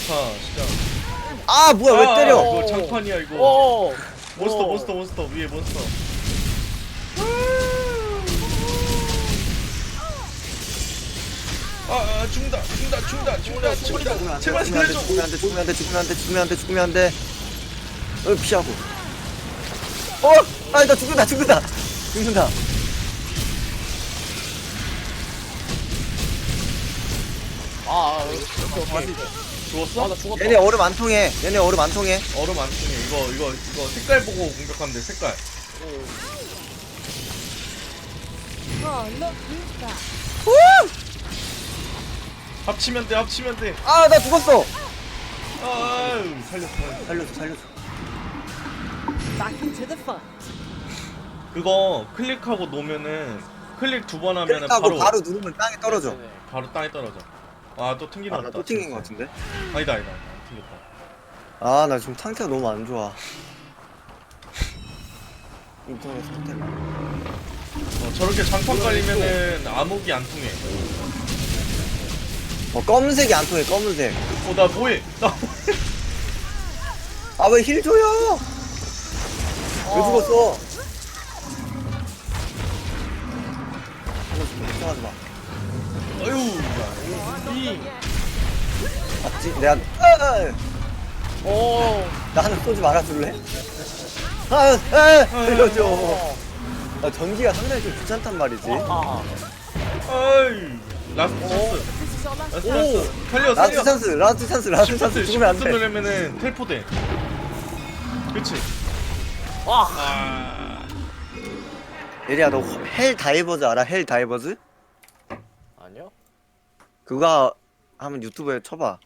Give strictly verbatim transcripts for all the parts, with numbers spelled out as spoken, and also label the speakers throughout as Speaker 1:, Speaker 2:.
Speaker 1: 좋다 진짜.
Speaker 2: 아 뭐야 왜
Speaker 1: 아,
Speaker 2: 때려?
Speaker 1: 이거 장판이야 이거.
Speaker 3: 오.
Speaker 1: 몬스터
Speaker 3: 오.
Speaker 1: 몬스터 몬스터 위에 몬스터. 아, 아 죽는다 죽는다 죽는다 죽는다 죽는다. 제발 살려줘.
Speaker 2: 죽으면 안돼 죽으면 안돼 죽으면 안돼 죽으면 안돼 죽으면 안돼. 어 피하고. 어, 아니 나 죽는다 죽는다 죽는다.
Speaker 3: 아, 오케이, 오케이.
Speaker 1: 죽었어?
Speaker 3: 아, 나 죽었다.
Speaker 2: 얘네 얼음 안 통해. 얘네 얼음 안 통해.
Speaker 1: 얼음 안 통해. 이거 이거 이거 색깔 보고 공격하면 돼. 색깔.
Speaker 4: Oh, look who's back.
Speaker 1: 합치면 돼. 합치면 돼.
Speaker 2: 아 나 죽었어.
Speaker 1: 아유 살렸어.
Speaker 2: 살려줘 살려줘.
Speaker 4: Back into the fun.
Speaker 1: 그거 클릭하고 놓으면은 클릭 두 번 하면은
Speaker 2: 클릭하고
Speaker 1: 바로
Speaker 2: 바로, 누르면 땅에 떨어져.
Speaker 3: 네네.
Speaker 1: 바로 땅에 떨어져. 아 또 튕기나
Speaker 2: 아 나
Speaker 1: 보다.
Speaker 2: 또 튕긴 거 같은데.
Speaker 1: 아니다 아니다. 튕겼다.
Speaker 2: 아 나 지금 상태가 너무 안 좋아. 인터넷 상태가.
Speaker 1: 어, 저렇게 장판 깔리면은 암흑이 안 통해.
Speaker 2: 어 검은색이 안 통해 검은색.
Speaker 1: 어 나 뭐해? 나
Speaker 2: 아 왜 힐 줘요? 왜 죽었어? 걱정하지 마.
Speaker 1: 아유 야 이
Speaker 2: 맞지? 내가 아,
Speaker 3: 오.
Speaker 2: 나는 쏘지 말아줄래? 아, 아, 살려줘. 아, 전기가 상당히 좀 귀찮단 말이지.
Speaker 3: 아.
Speaker 1: 아이 라스트 찬스.
Speaker 4: This is our last.
Speaker 1: 라스트 찬스. 살려
Speaker 2: 라스트
Speaker 1: 살려.
Speaker 2: 찬스, 라스트 찬스, 라스트 찬스 죽으면 안
Speaker 1: 시프트
Speaker 2: 돼.
Speaker 1: 누르면은 텔포돼. 그치?
Speaker 3: 와.
Speaker 1: 아
Speaker 2: 예리야, 너 헬 다이버즈 알아? 헬 다이버즈?
Speaker 3: 아니요.
Speaker 2: 그거 한번 유튜브에 쳐봐.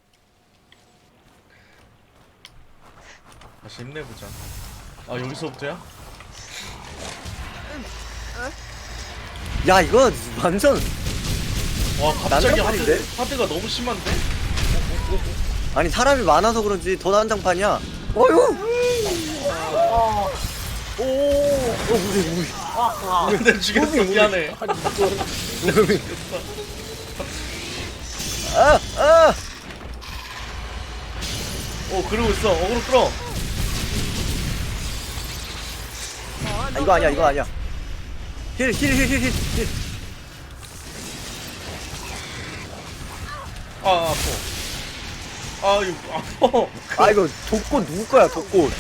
Speaker 1: 다시 힘내보자. 아 여기서부터야?
Speaker 2: 야, 이거 완전
Speaker 1: 와 갑자기
Speaker 2: 난장판인데?
Speaker 1: 하드, 하드가 너무 심한데?
Speaker 2: 아니 사람이 많아서 그런지 더 난장판이야. 어휴.
Speaker 3: 아. 오.
Speaker 2: 어, 무리 무리.
Speaker 3: 아.
Speaker 1: 근데 죽였어 미안해.
Speaker 3: 아니 이거.
Speaker 2: 아, 아.
Speaker 1: 어 그러고 있어. 어그로 끌어.
Speaker 2: 아, 이거 아니야, 이거 아니야. 힐, 힐, 힐, 힐, 힐. 힐.
Speaker 1: 아 아파. 아 이거 아파.
Speaker 2: 아, 이거 독꽃 누구 거야, 독꽃?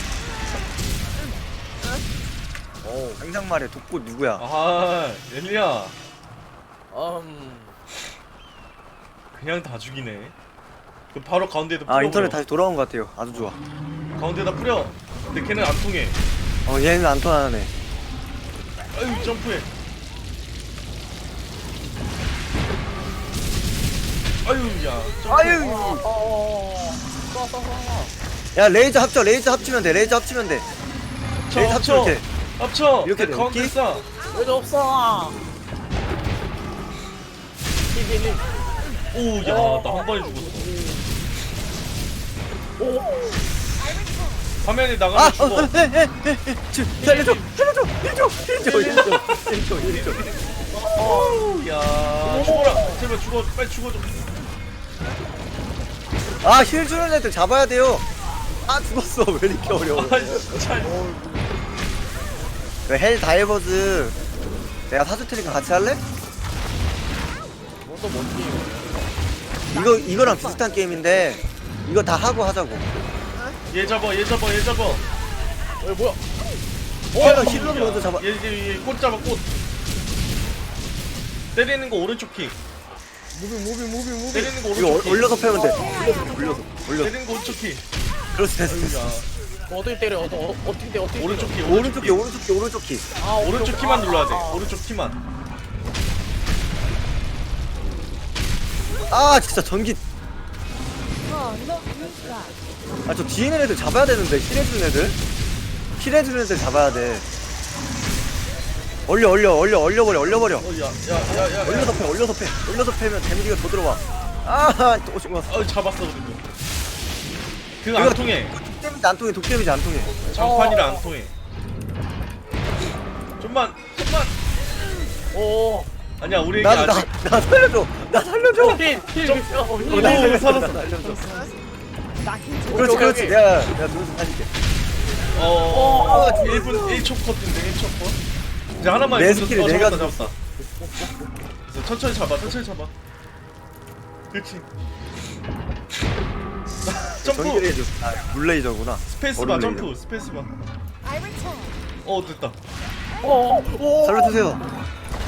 Speaker 2: 어, 당장 말해, 독꽃 누구야?
Speaker 1: 아 엘리야
Speaker 3: 음.
Speaker 1: 그냥 다 죽이네. 그 바로 가운데에다 뿌려.
Speaker 2: 아, 인터넷 다시 돌아온 것 같아요. 아주 좋아.
Speaker 1: 가운데다 뿌려. 근데 걔는 안 통해.
Speaker 2: 어, 얘는 안 통하네.
Speaker 1: 아유 점프해. 아유 야 점프해.
Speaker 2: 아유.
Speaker 3: 어. 쏴, 쏴, 쏴.
Speaker 2: 야, 레이저 합쳐, 레이저 합치면 돼, 레이저 합치면 돼.
Speaker 1: 합쳐
Speaker 2: 레이저
Speaker 1: 합쳐.
Speaker 2: 합치면 돼.
Speaker 1: 합쳐.
Speaker 2: 이렇게
Speaker 1: 내
Speaker 2: 돼,
Speaker 1: 가운데
Speaker 2: 이렇게?
Speaker 1: 싸.
Speaker 3: 왜도 없어. 힐, 힐,
Speaker 1: 오야 나 한 번에 죽었어.
Speaker 3: 오.
Speaker 1: 화면이 나가면
Speaker 2: 아,
Speaker 1: 죽어.
Speaker 2: 어, 에, 에, 에, 에, 저, 살려줘, 살려줘, 힐줘, 힐줘, 힐줘, 힐줘, 힐줘.
Speaker 1: 야 죽어라. 제발 죽어. 빨리 죽어줘.
Speaker 2: 아, 힐 주는 애들 잡아야 돼요. 아, 죽었어. 왜 이렇게 어려워?
Speaker 1: 아 진짜.
Speaker 2: 왜 헬 다이버즈 내가 사줄 테니까 같이 할래?
Speaker 3: 뭐또 뭔 게임이야?
Speaker 2: 이거 이거랑 비슷한 게임인데 이거 다 하고 하자고.
Speaker 1: 얘 잡아. 얘 잡아. 얘 잡아.
Speaker 3: 어, 뭐야?
Speaker 2: 어, 힐러 먼저 잡아.
Speaker 1: 얘얘꽃 잡아 꽃. 때리는 거 오른쪽 킥.
Speaker 3: 무빙, 무빙, 무빙, 무빙.
Speaker 1: 때리는 거
Speaker 2: 이거
Speaker 1: 오른쪽
Speaker 2: 올-
Speaker 1: 킥.
Speaker 2: 올려서 패면 돼. 올려서, 올려서, 올려서.
Speaker 1: 때리는 거 오른쪽 킥.
Speaker 2: 그렇지, 됐어, 됐어.
Speaker 1: 야
Speaker 3: 어떻게 때려? 어, 어, 어떻게 돼? 어떻게
Speaker 1: 오른쪽
Speaker 3: 때려?
Speaker 1: 킥.
Speaker 2: 오른쪽 키, 오른쪽 키, 오른쪽 키.
Speaker 3: 아,
Speaker 1: 오른쪽 키만 눌러야 돼.
Speaker 3: 아,
Speaker 1: 오른쪽 키만.
Speaker 2: 아, 진짜 전기.
Speaker 4: Oh, look who's back.
Speaker 2: 아, 저 뒤에 있는 애들 잡아야 되는데 힐해주는 애들. 힐해주는 애들 잡아야 돼. 얼려, 얼려, 얼려, 얼려버려, 얼려버려.
Speaker 1: 어야야야야.
Speaker 2: 올려서 패, 올려서 패, 올려서 패면 데미지가 더 들어와. 아, 또 오신 거.
Speaker 1: 어 잡았어 그래도. 그거 안 통해.
Speaker 2: 독데미지 안 통해, 독데미지 안 통해.
Speaker 1: 장판이라 안 통해. 좀만 좀만.
Speaker 3: 오.
Speaker 1: 아니야 우리 애기
Speaker 2: 나, 나,
Speaker 1: 아직.
Speaker 2: 나 살려줘, 나 살려줘.
Speaker 3: 힐, 힐, 힐. 어,
Speaker 2: 어,
Speaker 3: 힐.
Speaker 2: 나
Speaker 1: 오,
Speaker 2: 살려줘,
Speaker 1: 살았어.
Speaker 2: 나 살려줘.
Speaker 4: Knocking to the
Speaker 2: 그렇지
Speaker 3: 오케이,
Speaker 2: 그렇지
Speaker 3: 오케이.
Speaker 2: 내가 내가 눈좀 살릴게.
Speaker 1: 어 일 분 일 초 컷인데 일 초 컷. 이제 하나만
Speaker 2: 내
Speaker 1: 있어도-
Speaker 2: 스킬을
Speaker 1: 어,
Speaker 2: 내가
Speaker 1: 잡았다 잡았다. 그래서 천천히 잡아 천천히 잡아. 그렇지. 점프
Speaker 2: 전기레이저 아 물레이저구나.
Speaker 1: 스페이스바
Speaker 2: 얼음
Speaker 1: 점프
Speaker 2: 레이저.
Speaker 1: 스페이스바.
Speaker 4: I return.
Speaker 1: 어 됐다.
Speaker 3: 어어
Speaker 2: 살려주세요.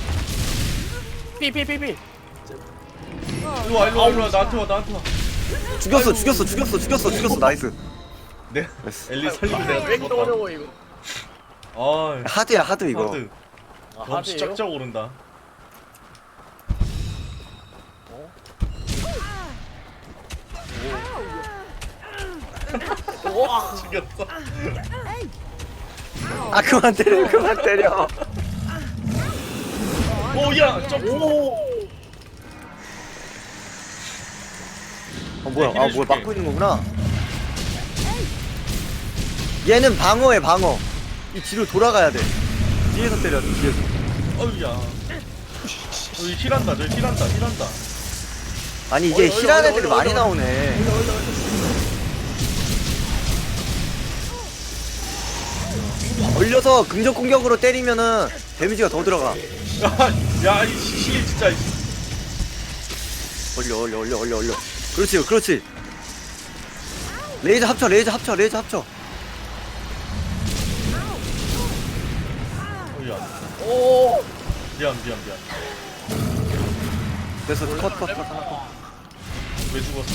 Speaker 3: 피피피피
Speaker 1: 일로 와 일로 와 일로 와 나한테 와 나한테 와.
Speaker 2: 죽였어 죽였어 죽였어 죽였어 죽였어 나이스.
Speaker 1: 내
Speaker 2: 됐어.
Speaker 1: 엘리 살리고
Speaker 3: 왜
Speaker 1: 내가
Speaker 3: 이렇게
Speaker 1: 죽었다.
Speaker 3: 어려워 이거
Speaker 1: 아
Speaker 2: 하드야 하드 이거.
Speaker 1: 하드.
Speaker 3: 아,
Speaker 1: 경치
Speaker 3: 하드예요?
Speaker 1: 쫙쫙 오른다.
Speaker 3: 우와
Speaker 1: 죽였어.
Speaker 2: 아 그만 때려 그만 때려.
Speaker 1: 오야 점프.
Speaker 3: 오
Speaker 2: 어 뭐야
Speaker 1: 네,
Speaker 2: 아
Speaker 1: 힐
Speaker 2: 뭐야
Speaker 1: 해줄게.
Speaker 2: 막고 있는 거구나. 얘는 방어해 방어. 이 뒤로 돌아가야 돼. 뒤에서 때려 뒤에서.
Speaker 1: 어우야. 저기 힐한다 저기 힐한다 힐한다.
Speaker 2: 아니 이게
Speaker 3: 얼려,
Speaker 2: 힐한
Speaker 3: 얼려,
Speaker 2: 애들이
Speaker 3: 얼려,
Speaker 2: 많이
Speaker 3: 얼려.
Speaker 2: 나오네. 얼려서 긍정 공격으로 때리면은 데미지가 더 들어가.
Speaker 1: 야이 힐 진짜.
Speaker 2: 얼려 얼려 얼려 얼려 얼려. 그렇지 그렇지. 레이저 합쳐 레이저 합쳐 레이저 합쳐.
Speaker 1: 어우야.
Speaker 3: 오
Speaker 1: 미안 미안 미안.
Speaker 2: 됐어 컷컷컷 하나 컷.
Speaker 1: 왜 죽었어?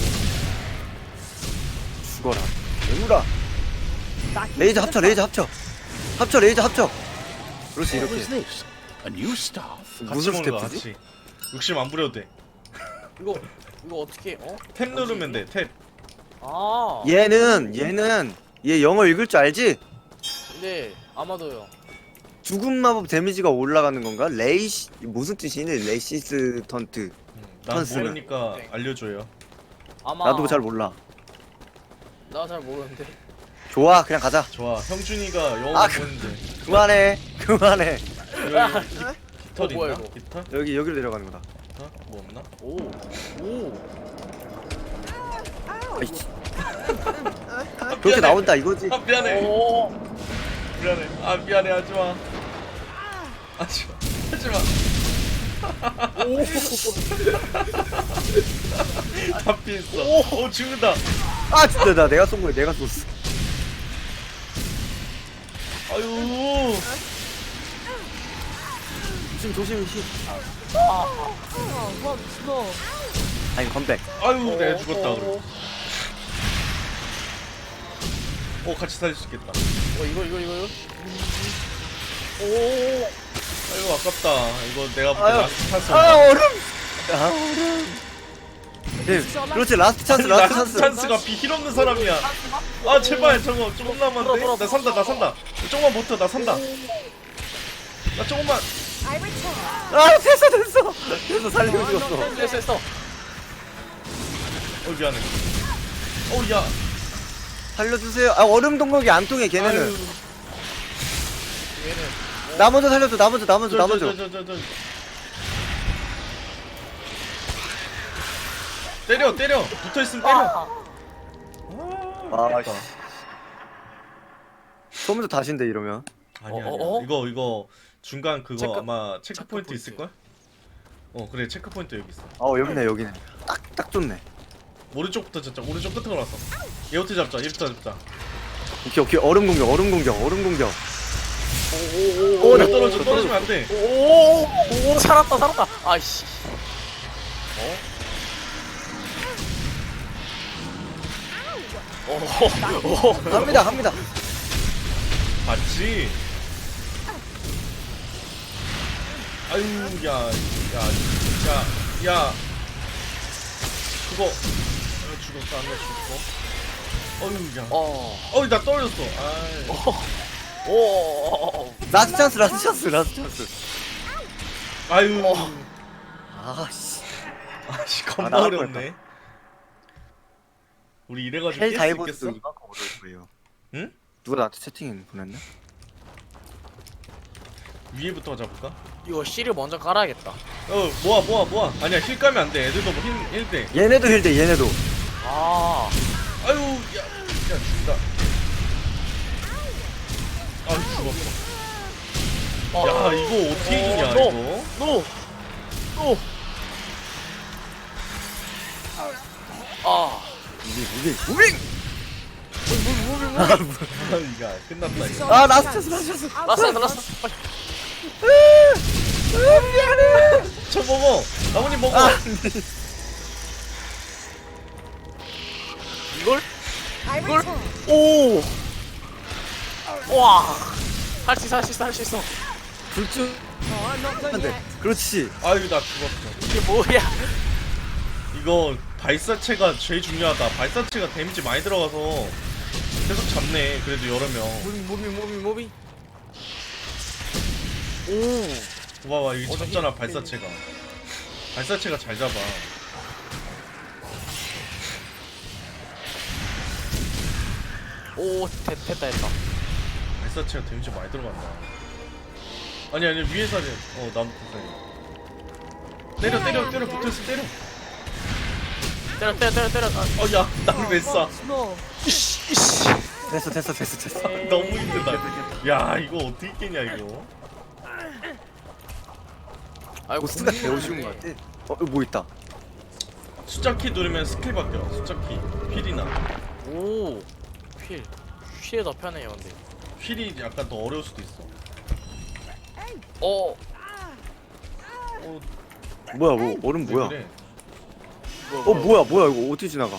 Speaker 2: 죽어라. 얘물아.
Speaker 4: Knocking
Speaker 2: 레이저
Speaker 4: to
Speaker 2: 합쳐
Speaker 4: the
Speaker 2: 레이저 합쳐. 합쳐 레이저 합쳐. 그렇지
Speaker 5: What was
Speaker 2: 이렇게.
Speaker 5: this? A new staff?
Speaker 1: 같이
Speaker 2: 무슨
Speaker 1: 먹는 거
Speaker 2: 스태프지?
Speaker 1: 같이. 욕심 안 부려도 돼.
Speaker 3: 이거 이거 어떻게 어?
Speaker 1: 탭 누르면 돼 탭.
Speaker 3: 아
Speaker 2: 얘는 얘는 얘 영어 읽을 줄 알지?
Speaker 3: 네 아마도요
Speaker 2: 죽음 마법 데미지가 올라가는 건가? 레이시 무슨 뜻이니? 레시스턴트.
Speaker 1: 난
Speaker 2: 컨스는.
Speaker 1: 모르니까 알려줘요.
Speaker 3: 아마
Speaker 2: 나도 잘 몰라.
Speaker 3: 나 잘 모르는데
Speaker 2: 좋아 그냥 가자.
Speaker 1: 좋아 형준이가 영어
Speaker 2: 아,
Speaker 1: 보는데.
Speaker 2: 그만해 그만해.
Speaker 1: 여기 기- 깃털
Speaker 3: 어, 뭐야,
Speaker 1: 있나?
Speaker 3: 이거?
Speaker 1: 깃털?
Speaker 2: 여기 여기로 내려가는 거다.
Speaker 1: 깃털? 뭐 없나?
Speaker 3: 오오
Speaker 2: 아이씨.
Speaker 1: 아,
Speaker 2: 그렇게
Speaker 1: 미안해.
Speaker 2: 나온다 이거지.
Speaker 1: 아 미안해
Speaker 3: 오
Speaker 1: 미안해 아 미안해 하지마 하지마 하지마 다 피했어 오 죽는다
Speaker 2: 아 진짜 나 내가 쏜 거야 내가 쏜어.
Speaker 1: 아유
Speaker 2: 조심 조심 조심.
Speaker 4: Oh, once more.
Speaker 2: 아니 컴백.
Speaker 1: 아유 내가 죽었다 그래 오 같이 살릴 수 있겠다
Speaker 3: 어 이거 이거 이거 이거 오
Speaker 1: 아이고 아깝다 이거 내가 볼때
Speaker 2: 아유.
Speaker 1: 라스트 찬스
Speaker 2: 아
Speaker 1: 온다.
Speaker 2: 얼음. 아 얼음. 네, 그렇지 라스트 찬스
Speaker 1: 아니,
Speaker 2: 라스트
Speaker 1: 라스트
Speaker 2: 찬스.
Speaker 1: 찬스가 비힐 없는 사람이야 아 제발 저거 조금 남았는데 나 산다 나 산다 조금만 버텨 나 산다 나 조금만
Speaker 4: I return.
Speaker 2: 아 됐어 됐어 됐어 살리고 죽었어.
Speaker 3: 됐어 됐어
Speaker 1: 어 미안해 어야
Speaker 2: 살려주세요. 아 얼음 동력이 안 통해 걔네는.
Speaker 1: 아유
Speaker 3: 얘는
Speaker 2: 나 먼저 살려줘 나 먼저 나 먼저 나 먼저.
Speaker 1: 저, 저, 저, 저, 저. 때려 때려 붙어있으면 때려
Speaker 2: 아,
Speaker 1: 아깝다.
Speaker 2: 처음부터 다신데 이러면.
Speaker 1: 아니야
Speaker 3: 어,
Speaker 1: 아니야
Speaker 3: 어, 어?
Speaker 1: 이거 이거 중간 그거
Speaker 3: 체크-
Speaker 1: 아마 체크
Speaker 3: 체크
Speaker 1: 포인트
Speaker 3: 포인트.
Speaker 1: 있을걸? 어 그래 체크 포인트 여기 있어
Speaker 2: 어 여기네 여기네. 딱 딱 좋네.
Speaker 1: 오른쪽부터 잡자 오른쪽 끝으로 갔어 얘부터 잡자 얘부터 잡자
Speaker 2: 오케이 오케이 얼음 공격 얼음 공격 얼음 공격.
Speaker 3: 오오오
Speaker 1: 오, 나 떨어져 떨어지면 안돼
Speaker 3: 오오 살았다 살았다 아이씨 어? 오
Speaker 2: 갑니다 갑니다.
Speaker 1: 봤지? 아유 야야야야 그거 아, 죽었어 안나 죽었어 어유 야
Speaker 3: 어.
Speaker 1: 어이 나 떨어졌어 아이
Speaker 3: 오.
Speaker 2: 라스트 찬스 라스트 찬스 라스트 찬스.
Speaker 1: 아유
Speaker 2: 아씨.
Speaker 1: 아씨
Speaker 2: 아,
Speaker 1: 겁나
Speaker 2: 나갈
Speaker 1: 어렵네 우리 이래가지고
Speaker 2: 헬
Speaker 1: 깰 수
Speaker 2: 다이버스
Speaker 1: 있겠어?
Speaker 2: 이만큼 어려울 거예요.
Speaker 1: 응?
Speaker 2: 누가 나한테 채팅 보냈나?
Speaker 1: 위에부터 잡을까?
Speaker 3: 이거 C를 먼저 깔아야겠다
Speaker 1: 어 모아 모아 모아 아니야 힐 까면 안돼 애들도 뭐 힐, 힐 돼.
Speaker 2: 얘네도 힐대 얘네도.
Speaker 3: 아
Speaker 1: 아유 그냥 죽다. 아 죽었어.
Speaker 3: 어.
Speaker 1: 야 이거 어떻게 이기냐
Speaker 3: 어,
Speaker 1: 이거.
Speaker 3: 노! 노! 아.
Speaker 2: 무빙 무빙 무빙
Speaker 1: 아 이거 끝났다 이거.
Speaker 2: 아 라스트 라스트 라스트
Speaker 3: 라스트 라스트. 빨리.
Speaker 1: 저 먹어. 나뭇잎 먹어.
Speaker 2: 아.
Speaker 3: 이걸?
Speaker 4: I
Speaker 3: 이걸?
Speaker 4: return.
Speaker 3: 오! 와! 할 수 있어, 할 수 있어, 할 수 있어.
Speaker 2: 불쭉
Speaker 4: Oh, I'm not done
Speaker 2: 한대
Speaker 4: yet.
Speaker 2: 그렇지
Speaker 1: 아유 나 죽었어.
Speaker 3: 이게 뭐야?
Speaker 1: 이거 발사체가 제일 중요하다. 발사체가 데미지 많이 들어가서 계속 잡네. 그래도 여러 명.
Speaker 3: 무빙, 무빙, 무빙, 무빙. 오!
Speaker 1: 봐봐 이게
Speaker 3: 어, 나
Speaker 1: 잡잖아
Speaker 3: 힘-
Speaker 1: 발사체가. 발사체가 잘 잡아.
Speaker 3: 오, 됐, 됐다, 됐다.
Speaker 1: 발사체가 데미지 많이 들어간다. 아니 아니 위에서 하지. 어 나무 부사이. 때려 때려 때려 붙어있어 때려.
Speaker 3: 때려, 때려, 때려, 때려. 아,
Speaker 1: 어야 나를 왜 쏴?
Speaker 4: Small.
Speaker 3: 이씨, 이씨.
Speaker 2: 됐어 됐어 됐어 됐어
Speaker 1: 너무 힘들다. 야 이거 어떻게 깨냐 이거.
Speaker 3: 아이고,
Speaker 2: 보스가 배우시는 것 같아 어 여기 뭐 있다
Speaker 1: 숫자 키 누르면 스킬 바뀌어. 숫자 키. 휠이나.
Speaker 3: 오! 휠. 휠이 더 편해요, 근데.
Speaker 1: 휠이 약간 더 어려울 수도 있어.
Speaker 3: 어!
Speaker 1: 어
Speaker 2: 뭐야 뭐 얼음
Speaker 1: 왜
Speaker 2: 뭐야
Speaker 1: 그래?
Speaker 2: 어 뭐야 뭐야 이거 어떻게 지나가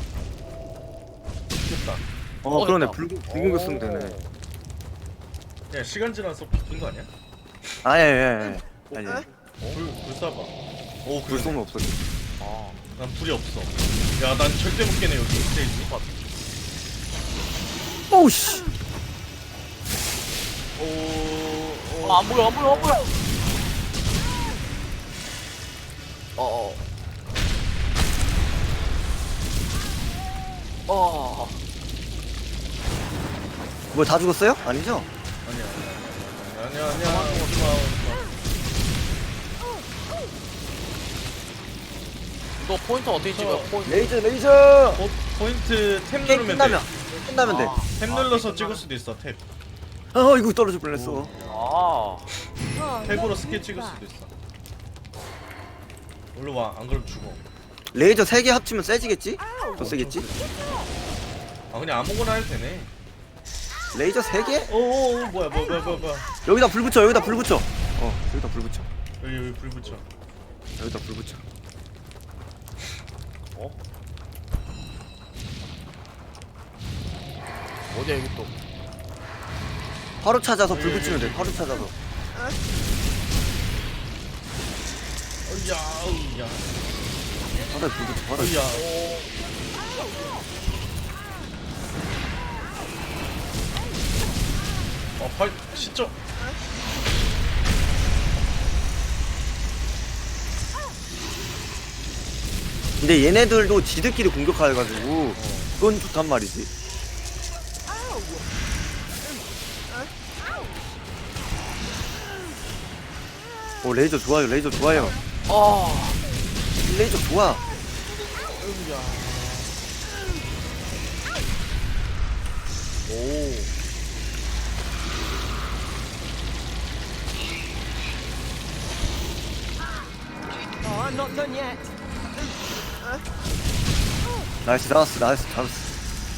Speaker 1: 됐다.
Speaker 2: 어
Speaker 3: 어,
Speaker 2: 그러네
Speaker 3: 됐다.
Speaker 2: 붉은 붉은 거 쓰면 되네
Speaker 1: 야 시간 지나서 바뀐 거 아니야?
Speaker 2: 아예예 아니
Speaker 1: 불, 불 쏴봐. 오,
Speaker 2: 불
Speaker 1: 그래.
Speaker 2: 쏘면 없어져
Speaker 3: 아.
Speaker 1: 난 불이 없어. 야, 난 절대 못 깨네, 여기 스테이지.
Speaker 2: 오우씨
Speaker 1: 오, 오.
Speaker 3: 아, 안 보여, 안 보여, 안 보여! 어어. 어.
Speaker 2: 뭐 다 죽었어요? 아니죠?
Speaker 1: 아니야, 아니야, 아니야, 아니야, 아니야. 오지 마, 오지 마.
Speaker 3: 너 포인트 어떻게 찍어? 포인트.
Speaker 2: 레이저 레이저
Speaker 1: 어, 포인트 탭
Speaker 2: 게임
Speaker 1: 누르면
Speaker 2: 끝나면
Speaker 1: 돼.
Speaker 2: 끝나면 돼
Speaker 1: 탭 눌러서 찍을 수도 있어, 탭.
Speaker 2: 어 이거 떨어질 뻔했어
Speaker 3: 아.
Speaker 4: Oh,
Speaker 1: 탭으로
Speaker 4: no,
Speaker 1: 스킬
Speaker 4: take
Speaker 1: 찍을
Speaker 4: back.
Speaker 1: 수도 있어. 올라 와, 안 그러면 죽어.
Speaker 2: 레이저 세 개 합치면 세지겠지? 더 세겠지?
Speaker 1: 아, 그냥 아무거나 해도 되네.
Speaker 2: 레이저 세 개?
Speaker 1: 오, 오, 오, 뭐야, 뭐야, 뭐야, 뭐야, 뭐야.
Speaker 2: 여기다 불 붙여 여기다 불 붙여 어 여기다 불 붙여
Speaker 1: 여기, 여기 불 붙여.
Speaker 2: 여기다 불 붙여
Speaker 3: 어? 어디야, 여기 또.
Speaker 2: 바로 찾아서 불 붙이면 돼 바로 찾아서
Speaker 1: 어이야, 어이야,
Speaker 2: 바로 불 붙여 바로
Speaker 1: 어이야. 어, 발, 진짜.
Speaker 2: 근데 얘네들도 지들끼리 공격해가지고 그건 좋단 말이지 오 레이저 좋아요 레이저 좋아요
Speaker 3: 아.
Speaker 2: 레이저 좋아
Speaker 3: 오.
Speaker 4: Oh, I'm not done yet.
Speaker 2: 나이스 나이스 나이스 나이스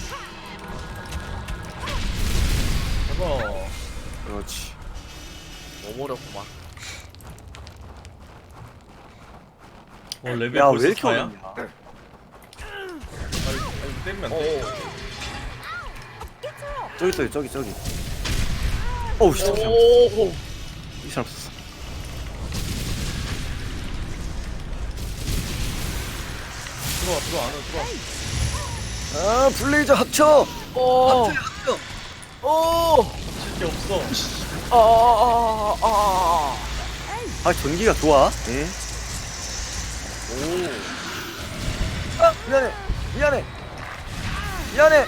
Speaker 1: 해봐.
Speaker 2: 그렇지
Speaker 3: 너무 어렵구만.
Speaker 1: 어, 레벨
Speaker 2: 야 왜
Speaker 1: 벌써
Speaker 2: 이렇게
Speaker 1: 사야?
Speaker 2: 어렵냐
Speaker 1: 아니, 아니, 때리면 안
Speaker 3: 어.
Speaker 1: 돼.
Speaker 2: 저기 있어요 저기 저기 어우 씨 잠시만
Speaker 3: 오.
Speaker 2: 이 사람 없었어
Speaker 1: 들어와, 들어와, 안으로 들어와.
Speaker 2: 아 블레이저 합쳐
Speaker 3: 오.
Speaker 2: 합쳐
Speaker 3: 오.
Speaker 1: 칠게 없어.
Speaker 3: 아, 아, 아, 아.
Speaker 2: 아 전기가 좋아 예.
Speaker 3: 오.
Speaker 2: 아 미안해 미안해 미안해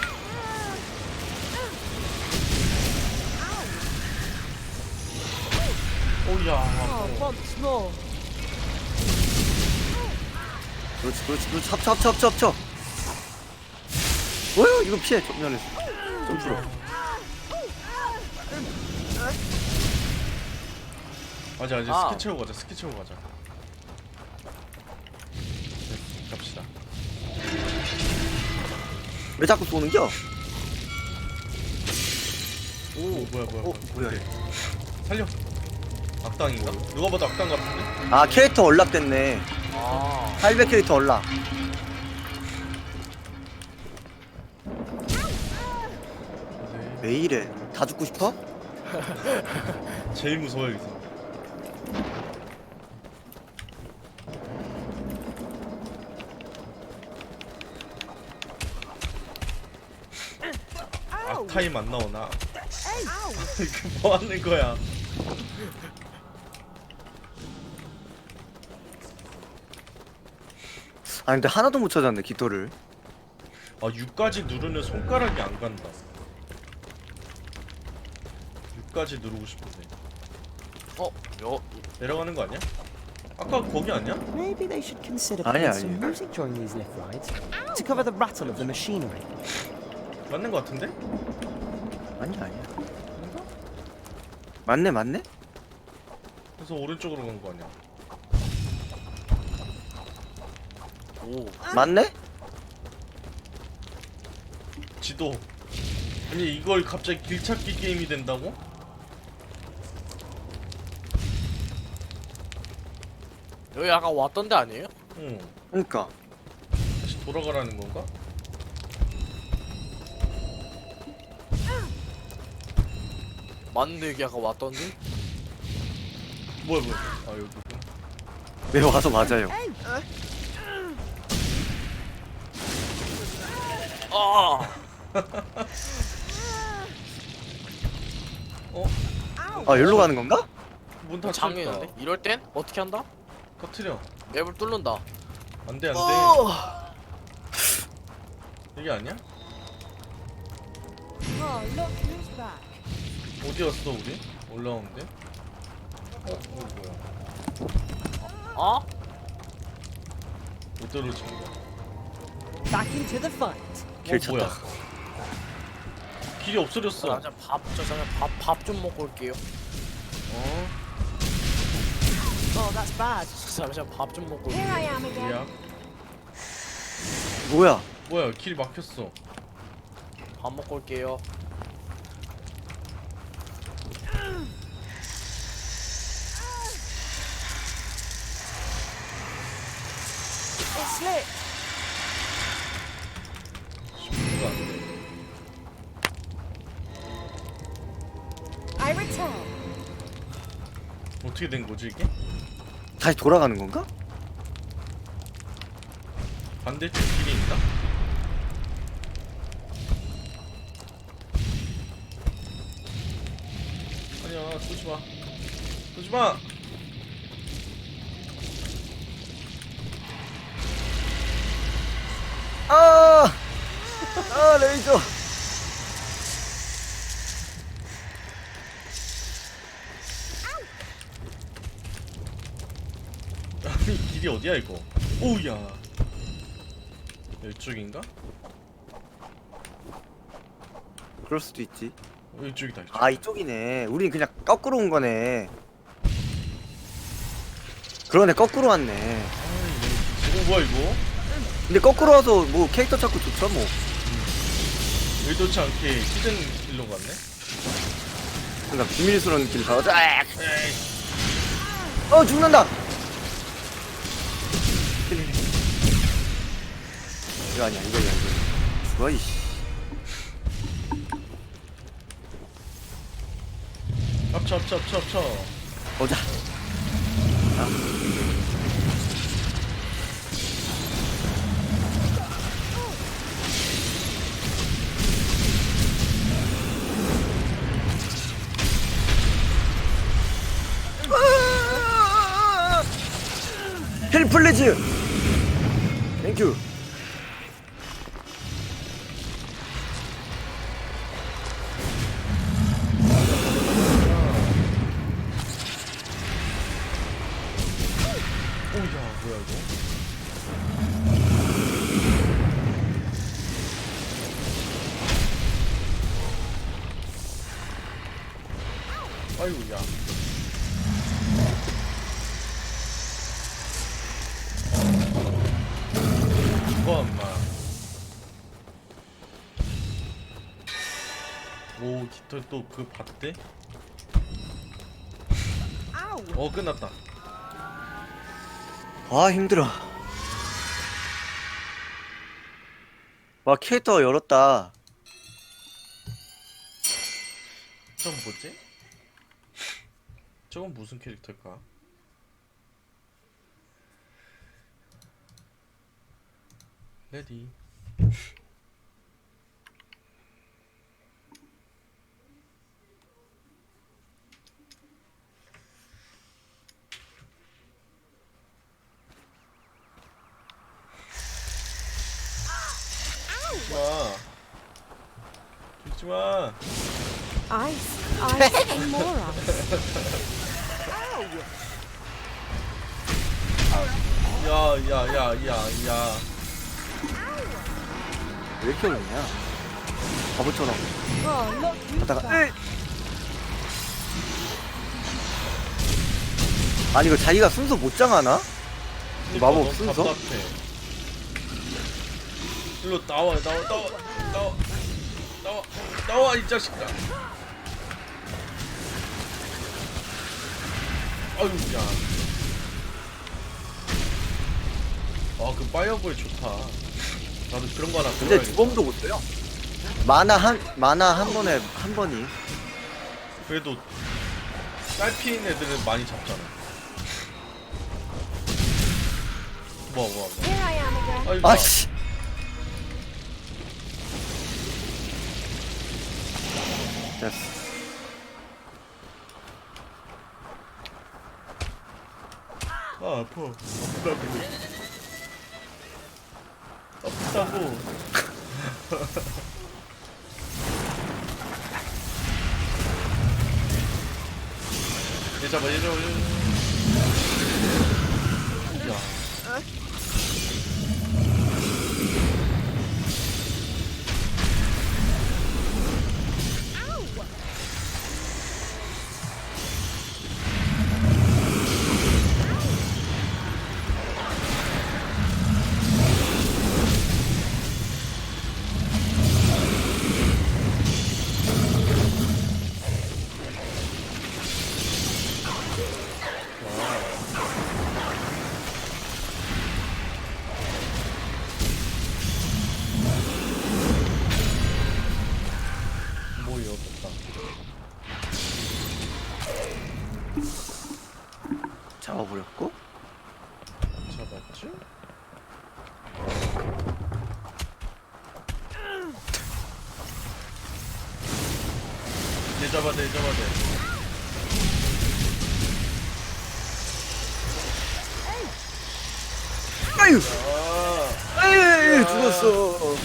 Speaker 1: 오야.
Speaker 4: Oh, once more.
Speaker 2: 그렇지 그렇지 그렇지 합쳐 합쳐 합쳐 합쳐 뭐야 이거 피해 정면에서 점프로.
Speaker 1: 맞아 이제
Speaker 3: 아.
Speaker 1: 스키 채우고 가자 스키 채우고 가자. 네, 갑시다.
Speaker 2: 왜 자꾸 쏘는겨?
Speaker 1: 오 뭐야 뭐야
Speaker 2: 어 뭐야
Speaker 1: 오케이.
Speaker 2: 이거.
Speaker 1: 살려. 악당인가? 누가 봐도 악당 같은데?
Speaker 2: 아 캐릭터 얼락됐네.
Speaker 3: 아
Speaker 2: 팔백 캐릭터 얼락.
Speaker 1: 네.
Speaker 2: 왜 이래? 다 죽고 싶어?
Speaker 1: 제일 무서워 여기서. 악타임 안 나오나? 이거 뭐 하는 거야?
Speaker 2: 아 근데 하나도 못 찾았네 깃털을.
Speaker 1: 아 육까지 누르면 손가락이 안 간다. 육까지 누르고 싶은데
Speaker 3: 어? 여
Speaker 1: 내려가는 거 아니야? 아까 거기 아니야?
Speaker 5: Maybe they should consider
Speaker 2: 아니야,
Speaker 5: playing some
Speaker 2: 아니야.
Speaker 5: music during these lift rides to cover the rattle of the machinery.
Speaker 1: 맞는 거 같은데?
Speaker 2: 아니야 아니야. 맞네 맞네?
Speaker 1: 그래서 오른쪽으로 간 거 아니야?
Speaker 3: 오
Speaker 2: 맞네?
Speaker 1: 지도. 아니 이걸 갑자기 길찾기 게임이 된다고?
Speaker 3: 여기 아까 왔던 데 아니에요?
Speaker 1: 응.
Speaker 2: 그러니까
Speaker 1: 다시 돌아가라는 건가?
Speaker 3: 맞는데 여기 아까 왔던데?
Speaker 1: 뭐야 뭐야? 아 여기.
Speaker 2: 왜 와서 맞아요.
Speaker 3: 아
Speaker 1: 어?
Speaker 2: 아 여기로 가는 건가?
Speaker 1: 문 닫혔다.
Speaker 3: 장애인데? 이럴 땐 어떻게 한다?
Speaker 1: 터트려.
Speaker 3: 맵을 뚫는다.
Speaker 1: 안돼 안돼.
Speaker 3: 어!
Speaker 1: 여기 아니야?
Speaker 4: Oh, look who's back.
Speaker 1: 어디 갔어 우리? 올라오는데? 어? 이거 뭐야?
Speaker 3: 어?
Speaker 1: 못 떨어진 거야?
Speaker 4: Back into the fight.
Speaker 2: 길
Speaker 1: 어,
Speaker 2: 찾다.
Speaker 1: 뭐야? 길이 없어졌어.
Speaker 3: 저 잠깐 밥저 잠깐 밥밥 좀 먹고 올게요.
Speaker 1: 어?
Speaker 4: Oh, that's bad.
Speaker 3: 잠시만 밥 좀 먹고
Speaker 4: Here
Speaker 3: 올게요.
Speaker 4: I am again.
Speaker 1: 뭐야?
Speaker 2: 뭐야?
Speaker 1: 뭐야? 길이 막혔어.
Speaker 3: 밥 먹고 올게요.
Speaker 4: It slipped.
Speaker 1: 쉽지가 않네.
Speaker 4: I return.
Speaker 1: 어떻게 된 거지 이게?
Speaker 2: 다시 돌아가는 건가?
Speaker 1: 반대쪽 길이 있나? 아니야 쏘지 마. 쏘지 마.
Speaker 2: 아! 아 레이저.
Speaker 1: 아니 길이 어디야 이거? 오우야. 이쪽인가?
Speaker 2: 그럴 수도 있지.
Speaker 1: 어, 이쪽이다 이쪽.
Speaker 2: 아 이쪽이네. 우린 그냥 거꾸로 온 거네. 그러네 거꾸로 왔네.
Speaker 1: 아 이거 뭐야 이거?
Speaker 2: 근데 거꾸로 와서 뭐 캐릭터 찾고 좋죠 뭐.
Speaker 1: 의도치 않게 히든 길로 갔네?
Speaker 2: 그러니까 비밀스러운 길 가자. 아!
Speaker 1: 에이
Speaker 2: 어 죽는다. 이거 아니야 이거 아니야 이거. 죽어 이씨.
Speaker 1: 합쳐 합쳐 합쳐 합쳐.
Speaker 2: 보자. 힐 플리즈. 땡큐.
Speaker 1: 오야 뭐야 이거? 아이고 야. 죽어 엄마. 오 깃털 또 그 봤대?
Speaker 4: Ow!
Speaker 1: 어 끝났다.
Speaker 2: 아 힘들어. 와 캐릭터 열었다.
Speaker 1: 저건 뭐지? 저건 무슨 캐릭터일까? 레디. 죽지마. 죽지마.
Speaker 4: Ice, ice, and more ice.
Speaker 1: 야야야야야.
Speaker 2: 왜 이렇게 어렵냐? 바보처럼.
Speaker 4: Oh, look, you
Speaker 2: 하다가
Speaker 4: bastard.
Speaker 2: 아니 이거 자기가 순서 못 정하나? 마법
Speaker 1: 너무
Speaker 2: 순서?
Speaker 1: 답답해. 일로 나와 나와 나와 나와 나와 나와 이 자식아. 아유 야. 아그 파이어볼 좋다. 나도 그런 거 하나
Speaker 2: 근데
Speaker 1: 들어야겠다.
Speaker 2: 두 번도 못 써요. 만화 한 만화 한 번에 한 번이.
Speaker 1: 그래도 딸피인 애들은 많이 잡잖아. 뭐야 뭐야 뭐야.
Speaker 4: Here I am again.
Speaker 1: 아이고.
Speaker 2: 아씨. 됐어.
Speaker 1: 아 아파. 아프다고. 아프다고. 얘 잡아 얘 잡아 얘 잡아. 야. 뭐 이었다.
Speaker 2: 잡아버렸고.
Speaker 1: 잡았지? 얘 잡아 돼, 잡아 돼.
Speaker 2: 아유.
Speaker 1: 아,
Speaker 2: 아유 죽었어.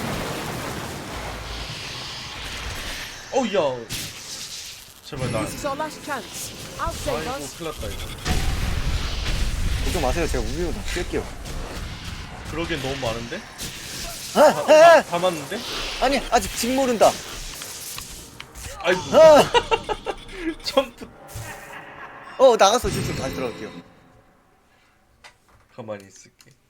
Speaker 1: 어우 야. 제발 나.
Speaker 4: This is our last chance. I'll save
Speaker 1: 아이고
Speaker 4: us.
Speaker 1: 큰일 났다 이거.
Speaker 2: 걱정 마세요. 제가 우비로 다 뺄게요.
Speaker 1: 그러기엔 너무 많은데?
Speaker 2: 아,
Speaker 1: 다,
Speaker 2: 아,
Speaker 1: 다, 다 맞는데?
Speaker 2: 아니 아직 직 모른다.
Speaker 1: 아이고.
Speaker 2: 아,
Speaker 1: 점프.
Speaker 2: 어 나갔어. 지금 다시 들어갈게요.
Speaker 1: 가만히 있을게.